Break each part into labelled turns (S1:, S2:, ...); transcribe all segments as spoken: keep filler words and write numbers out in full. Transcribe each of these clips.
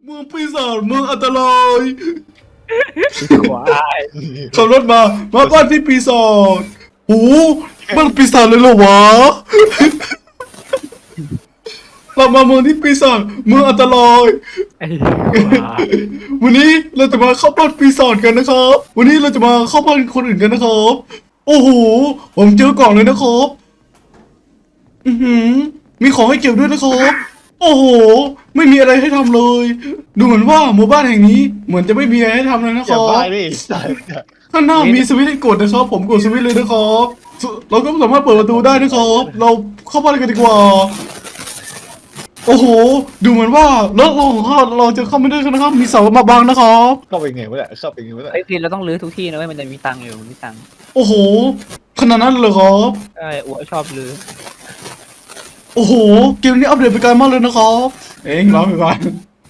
S1: เมืองปีศาจเมืองอันตราย
S2: ควาย
S1: ขับรถมา มาบ้านที่ปีศาจโอ้บ้านปีศาจเลยเหรอวะ เรามาเมืองที่ปีศาจเมืองอันตราย
S2: ไอ้ควาย
S1: วันนี้เราจะมาเข้าบ้านปีศาจกันนะครับ วันนี้เราจะมาเข้าบ้านคนอื่นกันนะครับ โอ้โห ผมเจอกล่องเลยนะครับ อือหือ มีของให้เก็บด้วยนะครับ โอ้โห ไม่มีอะไรให้ทำเลย ดูเหมือนว่าหมู่บ้านแห่งนี้เหมือนจะไม่มีอะไรให้ทำเลยนะค
S3: อย่า
S1: รับ
S3: บ้าดิสัตว์
S1: ข้างหน้ามีสวิตช์ให้กดนะครับ ผมกดสวิตช์เลยนะครับสเราก็สามารถเปิดประตูได้นะครับ เราเข้าบ้านกันดีกว่า โอ้โห ดูเหมือนว่าแล้วเราของเราเราจะเข้าไม่ได้กันนะครับ มีเสามาบังนะครับ
S3: เข้าไปไงวะเนี่ยเข้าไปไงวะเนี่ย
S2: ไอ้ยพี่เราต้องรื้อทุกที่นะเว้ยมันจะมีตังค์อยู่มีตังค์
S1: โอ้โห ขนาดนั้นเลยครับ
S2: ใช่อัวชอบรื้อ
S1: โอ้โห เกมนี้อัปเดตไปไกลมากเลยนะครับ เอ้ยร้องไปก่อน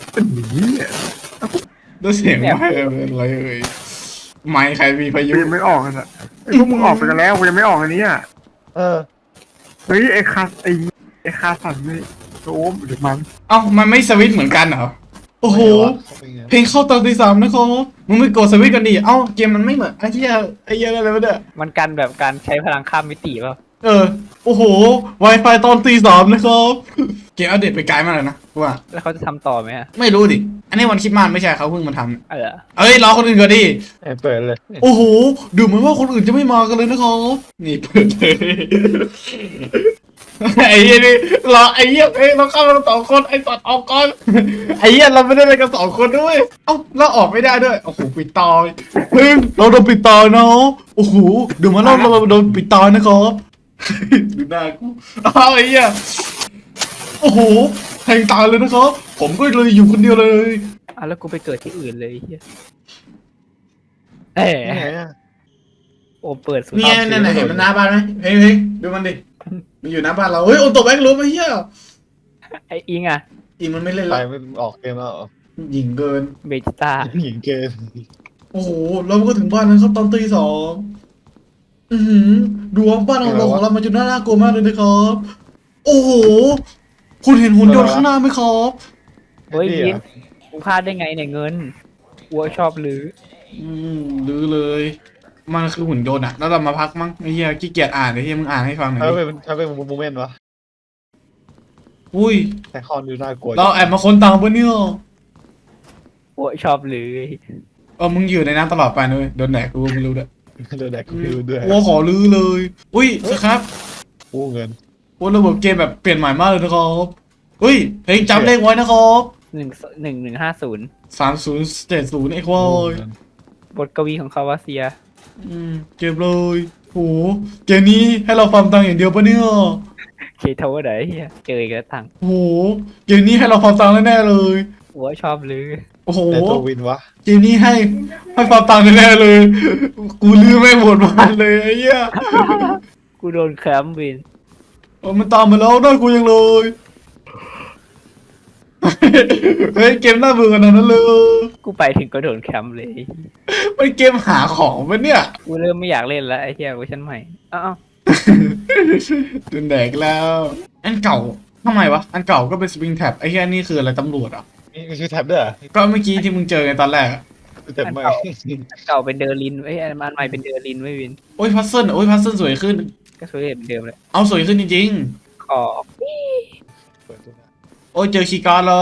S1: ได้เสียงไม่เป็นไรเอ่ยไม่ใครมีพายุ
S4: กูยังไม่ออกกันอ่ะไอ้พวกมึงออกไปกันแล้วกูยังไม่ออกอันนี้อ่ะ
S3: เออ
S4: เฮ้ยไอ้คาไอ้ไอ้คาสันนี่โอ้มเดี๋ยวมัน
S1: เอ้ามันไม่สวิตช์เหมือนกันเหรอ โอ้โห
S3: เข้าไปไง
S1: เพลงเข้าตอนตีสามนะครับมึงไม่กดสวิตช์กันดิ เอ้าเกมมันไม่เหมือนไอ้เหี้ยไอ้เหี้ยอะไรวะเนี่ย
S2: มันกันแบบการใช้พลังข้ามมิติเปล่า
S1: เออ โอ้โห Wi-Fi ตอนตีสามนะครับ เกมอัปเดตไปไกลมากเลยนะว่า
S2: แล้วเขาจะทำต่อไหมอะ
S1: ไม่รู้ดิ อันนี้วันคริดมาสไม่ใช่เขาเพิ่งมาท
S2: เออ
S1: ำเอ้ยรอคนอื่นก่อนดิ
S3: เออเปิดเลย
S1: โอ้โห ดูเหมือนว่าคนอื่นจะไม่มากันเลยนะครับ นี่เปิดเลย ไอ้เหี้ยนี่เราไอ้เหี้ยเอ้ยเราเข้ามาสองคนไอ้ตัดออกก่อน ไอ้เหี้ยเราไม่ได้ไปกันสองคนด้วย เอ้าเราออกไม่ได้ด้วย โอ้โหปิดตอยเฮ้ยเราโดนปิดตอยเนาะโอ้โหดูเหมาเราเราโดนปิดตอยนะครับ ดูหน้ากูอ้าวไอ้เหี้ยโอ้โหแทงตายเลยนะครับ ผมก็เลยอยู่คนเดียวเลย
S2: อ่ะแล้วกูไปเกิดที่อื่นเลยไอ้เฮียเอ๊ะ
S3: นี่ไงอะ
S2: โอเปิดสุด
S1: นี่ไงนั่นไหนเห็นมันหน้าบ้านไหมเฮ้ยเฮ้ยดูมันดิ มันอยู่หน้าบ้านเรา เฮ้ยโอโตแบงค์รู้ไหมเฮีย
S2: ไอ้อิงอะ
S1: อีมันไม่เล่น
S3: ไป
S1: แล้ว
S3: ไม่ออกเกมแล้วเหรอ
S1: หญิงเกิน
S2: เบจิต้า
S3: หญิงเกิน
S1: โอ้โห เราก็ถึงบ้านแล้วครับตอนตีสองอือหือดูว่าบ้านของเราของเรามันจะน่าน่ากลัวมากเลยนะครับ โอ้โห คุณเห็นหุ่นยนต์ข้างหน้าไหมครับ
S2: เฮ้ย
S3: นี่
S2: วิน
S3: อะ
S2: กูพลาดได้ไงเนี่ยเงินอัวชอบรื้อ
S1: อืมลือเลย มันคือหุ่นยนต์อะแล้วเรามาพักมั้งไอ้เหี้ยขี้เกียจอ่านไอ้เหี้ยมึงอ่านให้ฟังหน่อย
S3: ถ้า
S1: ดิ
S3: เป็นถ้าเป็นโมเมนต์วะ
S1: อุ้ย
S3: แต่คอนดูน่ากลัว
S1: เราแอบมาคนตังปะเนี่ย
S2: อัวชอบรื้อ
S1: เออมึงอยู่ในนั้นตลอดไปนะเลยโดนแดกกูไม่รู้ด้วย
S3: โดนแดกกูไม่รู้ด้วย
S1: โอ้ขอลือเลย อุ้ยสครับ
S3: กู้เงิน
S1: โอ้ระบบเกมแบบเปลี่ยนใหม่มากเลยนะครับเฮ้ยเพลงจำเลขไว้นะครับ
S2: หนึ่งหนึ่งหนึ่งห้าศูนย์
S1: สามศูนย์เจ็ดศูนย์ไอ้ควา
S3: กู้
S1: ย
S3: เงิน
S2: บทกวีของคาวาเซีย
S1: อืมเกมเลยโหเกมนี้ให้เราฟาร์มตังค์อย่างเดียวปะเนี่ย
S2: เคทาวไหนเฮียเจออีกแล้วตังค์
S1: โหเกมนี้ให้เราฟาร์มตังค์แน่ๆเลย
S2: อัวชอบรื้อ
S1: โอ้โห
S3: แต่ตัววินวะ
S1: เกมนี้ให้ให้ฟาร์มตังค์แน่ๆเลย กูลืมไม่หมดบ้านเลยไอ้เหี้ย
S2: กูโดนแคมป์วิน
S1: โอ้มันตามมาแล้วน่ากลัวยังเลย เฮ้ยเกมน่าเบื่อขนาดนั้นเลย
S2: กูไปถึงก็โดนแคมป์เลย
S1: มันเกมหาของปะเนี่ย
S2: กูเริ่มไม่อยากเล่นแล้วไอ้เหี้ยเวอร์ชันใหม่อ้าว
S1: ตุนแดกแล้ว อันเก่าทำไมวะ อันเก่าก็เป็นสปริงแท็บไอ้แค่นี่คืออะไรตำรวจอ่ะ
S3: มีมีชื่อแท็บด้วยเหรอ
S1: ก็เมื่อกี้ที่มึงเจอไงตอนแรกอะ
S3: แต่ไม่
S2: เก่าเป็นเดอร์ลินไอ้ยอันใหม่เป็นเดอร์ลินไว้ยวิน
S1: โอ้ยพัซเซิลโอ้ยพัซเซิลสวยขึ้น
S2: ก็สวยเหมือนเดิมเลย
S1: เอาสวยขึ้นจริง
S2: ขอ
S3: เปิดตัวนะ
S1: ๆ โอ้ยเจอคีย์การ์ดแล้ว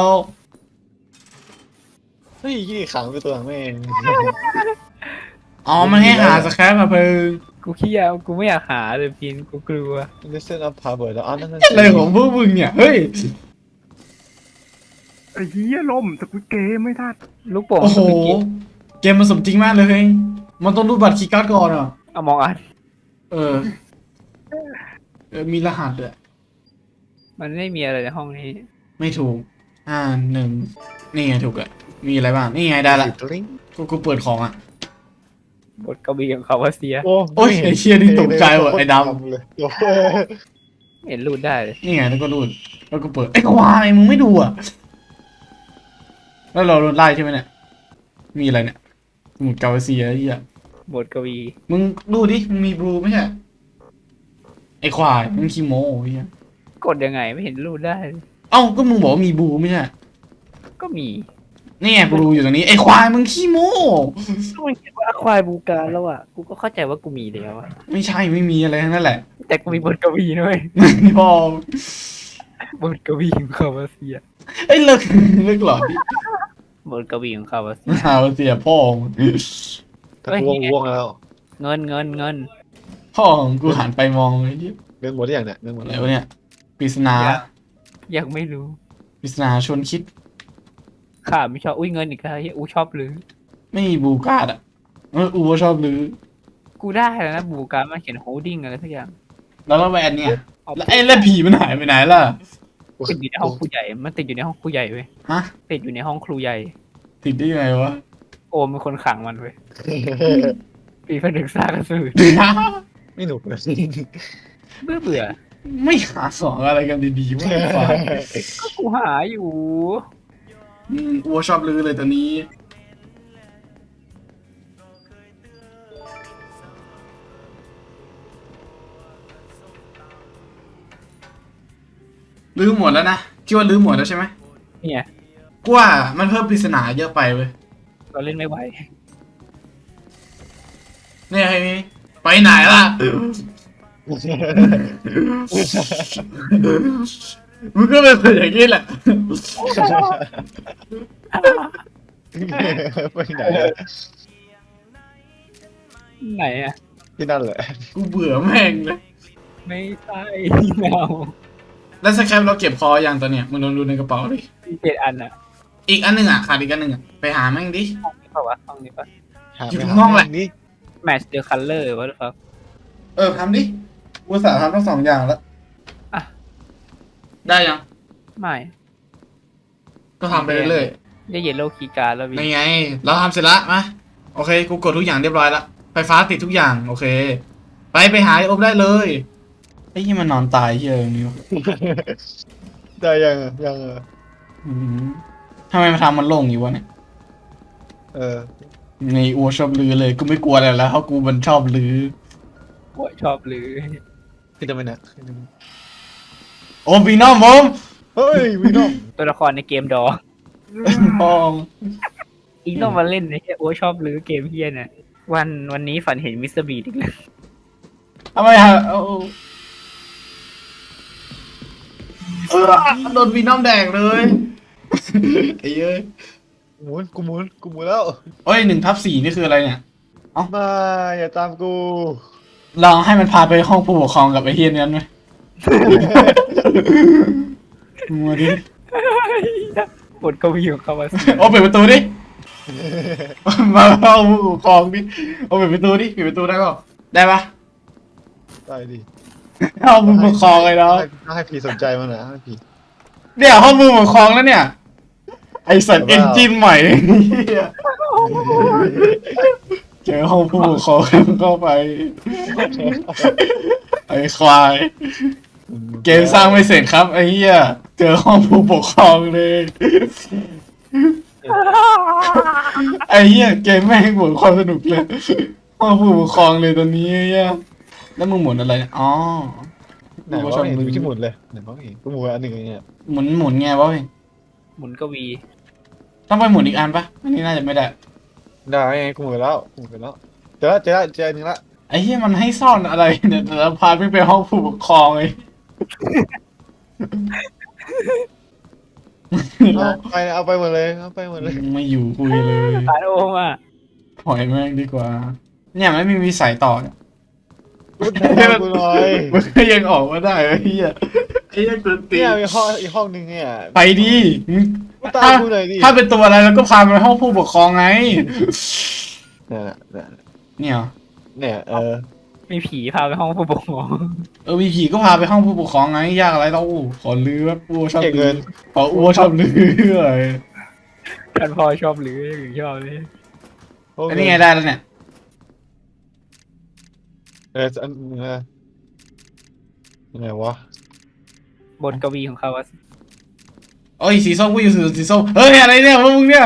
S3: เฮ้ยยี่ขังไปตัวแม่ง
S1: อ๋อ มันให้หาสแครปมาเพิ่ง
S2: กูขี้ยากูไม่อยากหาเลยพินกูกลัว
S3: ลิสเซนอัพพาเบิร์ดแล้วอ๋อนั่นนั่น
S1: อะไรของพวกมึงเนี่ย เฮ้ย
S4: ไอ้เหี้ยล่มแต่กูเกมไม่ทัน
S2: ลูกโป่ง
S1: โอ้โห
S2: สกิล
S1: เกมมันสมจริงมากเลยเฮ้ยมันต้องรูดบัตรคีย์การ์ดก่อนอ่ะ
S2: เอามองอัน
S1: เออ เออ มีรหัสด้วย
S2: มันไม่มีอะไรในห้องนี้
S1: ไม่ถูกอ่าหนึ่งนี่ไงถูกอะมีอะไรบ้าง นี่ไงได้ละ
S3: ลิง
S1: กูกูเปิดของอะ
S2: บทกวีของเขาว่าเสีย
S3: โอ้
S1: โอ้ยไอ้เชี่ยนี่ตกใจว่ะไอ้ดำ
S3: เลยโอ้โห
S2: เห็นรูดได้เลย
S1: นี่ไงแล้วก็รูดแล้วก็เปิดไอ้ยควายมึงไม่ดูอ่ะ แล้วเราโดนไล่ใช่ไหมเนี่ย มีอะไรเนี่ยสมุดกาเวเซียไอ้เหี้ย
S2: บทกวี
S1: มึงดูดิมึงมีบลูไม่ใช่ไอ้ควายมึงขี้โม้ไอ้เหี้ย
S2: กดยังไงไม่เห็นรูดได้เลย
S1: เอ้าก็มึงบอกว่ามีบลูไม่ใช่
S2: ก็มี
S1: นี่ไงกูดูอยู่ตรงนี้ไอ้ควายมึงขี้โม้
S2: ถ้ามันเขียนว่าควายบูการแล้วอ่ะกูก็เข้าใจว่ากูมีแล้วอ่ะ
S1: ไม่ใช่ไม่มีอะไรทั้งนั้นแหละ
S2: แต่กูมีบทกวีด้วย
S1: พ่อบ
S2: ทกวีของคาวาเซีย
S1: เอ้ยเลิกเลิกหลอนดิ
S2: บทกวีของคาวาเซีย
S1: หาว่าเสียพ่อมึง
S3: ถ้ากูว่างว่วงแล้ว
S2: เงินเงินเงิน
S1: พ่อของกูหันไปมองไอ้ที่
S3: เรื่องหมดที่อย่างเนี่ยเรื่องหมด
S1: อะไร
S3: แล้ว
S1: วะเนี่ยปริศนา
S2: ยังไม่รู้
S1: ปริศนาชวนคิด
S2: ข้าไม่ชอบอุ้ยเงินอีกแล้วเฮียอูชอบหรือ
S1: ไม่มีบูการ์ดอ่ะเอออูก็ชอบลือ
S2: กูได้แล้วนะบูการมันเขียนโฮลดิ้งอะไรสักอย่าง
S1: แล้วก็แวนเนี่ย
S2: เอา
S1: แล้วไอ้แล้วผีมันหายไปไหนล่ะ
S2: ติดอยู่ในห้องครูใหญ่มันติดอยู่ในห้องครูใหญ่เว้ย
S1: ฮะ
S2: ติดอยู่ในห้องครูใหญ่
S1: ติดได้ยังไงวะ
S2: โอมเป็นคนขังมันเว้ยปีผนึกซากระสือ
S3: ไม่หนุกเลย
S2: เบื่อเบื่อ
S1: ไม่หาสองอะไรกันดีๆวะไอ้ฟ้า
S2: ก็กูหาอยู่
S1: อืมอัวชอบลือเลยตอนนี้ ลืมหมดแล้วนะคิดว่าลืมหมดแล้วใช่ไหม
S2: เนี่ย
S1: กูว่ามันเพิ่มปริศนาเยอะไปเว้ย
S2: เราเล่นไม่ไหว
S1: เนี่ยไอ้นี่ไปไหนล่ะ มึงก็เป็นคนอย่างนี้แหละ
S3: ไปไหนอะ
S2: ไหนอ่ะ
S3: ที่นั่นแหละ
S1: กูเบื่อแม่งเลย
S2: ไม่ใช่เรา
S1: แล้วสแคปเราเก็บคออย่างตัวเนี้ยมึงลองดูในกระเป๋าดิ
S2: มีเจ็ดอันอ่ะ
S1: อีกอันหนึ่งอ่ะขาดอีกอันหนึ่งอ่ะไปหาแม่งดิ
S2: ห้องนี้เปล่าวะห้องนี้ปะ
S3: หา
S1: อยู่
S3: ไป
S1: ข้างนอกแหละ
S3: นี่
S2: match the color วะหรือเปล่า
S1: เออทำดิกูสาทำทั้งสองอย่างแล้ว
S2: อ่ะ
S1: ได้ยัง
S2: ไม่
S1: ก็ทำไปเรื่อย
S2: ได้เยลโล่คีย์การ์ดแล้ว
S1: ๆ
S2: วิ
S1: นี่ไง เราทำเสร็จละมาโอเค กูกดทุกอย่างเรียบร้อยละไฟฟ้าติดทุกอย่าง โอเค ไปไปหาไอ้อบได้เลยไอ้ที่มันนอนตายเฮียอย่างนี้วะ
S3: ได้ยังอะยังอะ
S1: อืมทำไมมาทำมันโล่งอยู่วะเนี่ย
S3: เออ
S1: ในอัวชอบลือเลย กูไม่กลัวอะไรแล้วเพราะกูมันชอบลือ
S2: โอ้ยชอบหรือ
S3: ขึ้นจะไปไหน
S1: โอ้พี่น้องผม
S3: เฮ้ยวีนอม
S2: ตัวละครในเกมดอ
S1: พอง
S2: อีกต้องมาเล่นในเฮียโอ้ยชอบหรือเกมเฮียเนี่ยวันวันนี้ฝันเห็นมิสเตอร์บีดอีกแล้ว
S1: ทำไมฮะเอาเออโดนพี่น้องแดกเลยไอ้เอ้ย
S3: หมุนกูหมุนกูหมุนแล้ว
S1: โอ้ยหนึ่งทับสี่นี่คืออะไรเนี่ย
S3: มาอย่าตามกู
S1: ลองให้มันพาไปห้องผู้ปกครองกับไอ้เฮียนั้นไหม มาดิ
S2: บทกวีของเขาว่า
S1: โอ้เปิดประตูดิ มาห้องผู้ปกครองดิโอ้เปิดประตูดิปิดประตูได้เปล่าได้ปะ
S3: ได้ดิ
S1: ห้องผู้ปกครองเลยเนาะ
S3: ให้ให้พี่สนใจมันนะให้พี่
S1: เนี่ยห้องผู้ปกครองแล้วเนี่ย ไอสัตว์
S3: แต่
S1: เอน
S3: ว่า
S1: จินใหม่เหี้ยเจอห้องผู้ปกครองเข้าไป ไอควาย เกมสร้างไม่เสร็จครับไอ้เหี้ยเจอห้องผู้ปกครองเลย ไอ้เหี้ยเกมแม่งหมดความสนุกเลย ห้องผู้ปกครองเลยตอนนี้ไอ้เหี้ยแล้วมึงหมุนอะไรเนี่ยอ๋อ
S3: ไหนวะไม่เห็นมีที่หมุนเลยไหนวะไม่เห็นกูหมุนอันหนึ่งเนี่ย
S1: หมุนหมุนไงวะเว้ย
S2: หมุนกวี
S1: ต้องไปหมุนอีกอันปะอันนี้น่าจะไม่ได้
S3: ได้ไงกูหมุนแล้วกูหมุนแล้วเจอแล้วเจอแล้วเจออันหนึ่งละ
S1: ไอ้เหี้ยมันให้ซ่อนอะไรเนี่ยแต่ละพาร์ทไม่ไปห้องผู้ปกครองเลย
S3: เอาไปเอาไปหมดเลยเอาไปหมดเลย
S1: ไม่อยู่คุยเลย
S2: ตายโอมอ่ะ
S1: ปล่อยแม่งดีกว่า เนี่ยไม่มีวิสัยต่อเนี่ย
S3: กูตามกูหน่อย
S1: มันก็ยังออกมาได้ไอ้เหี้ยไอ้เหี้ยกวนตี
S3: เนี่ย
S1: น
S3: มีห้องอีกห้องหนึ่งเนี่ย
S1: ไปดิมึง
S3: กูตามกูหน่อยดิ
S1: ถ้าเป็นตัวอะไรแล้วก็พาไปห้องผู้ปกครองไง
S3: เนี่ยเนี่ย
S1: เนี่ยเหรอ
S3: เนี่ยเออ
S2: มีผีพาไปห้องผู้ปกครอง
S1: เออวีผีก็พาไปห้องผู้ปกครองไงยากอะไรเราขอลือว่าอ้วชอบ
S3: เก็บ
S1: ลื
S3: เงิ
S1: อน ขออ้วชอบลืออะไร
S2: ท่านพ่อชอบหรือถึงชอบเลย
S1: อันนี้ไงได้แล้วเนี่ย
S3: เอออันเออไหนวะ
S2: บทกวีของเขาว่า
S1: โอ้ยสีส้มกูอยู่สีส้มเฮ้ยอะไรเนี่ยพวกมึงเนี่ย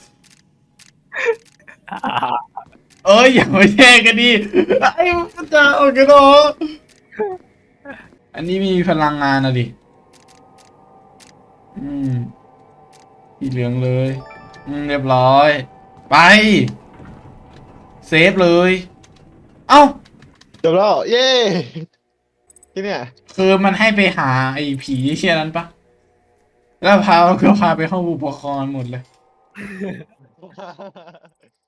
S1: เอ้ยอย่ามาแย่งกันดิไอ้พระเจ้าโอ้ยกันเนาะอันนี้มีพลังงานอะดิอืมสีเหลืองเลยอืมเรียบร้อย ไป เซฟเลย เอ้า
S3: จบแล้ว เย้ที่เนี่ย
S1: คือมันให้ไปหาไอ้ผีเชี่ยนั้นปะแล้วพาก็พาไปห้องอุปกรณ์หมดเลย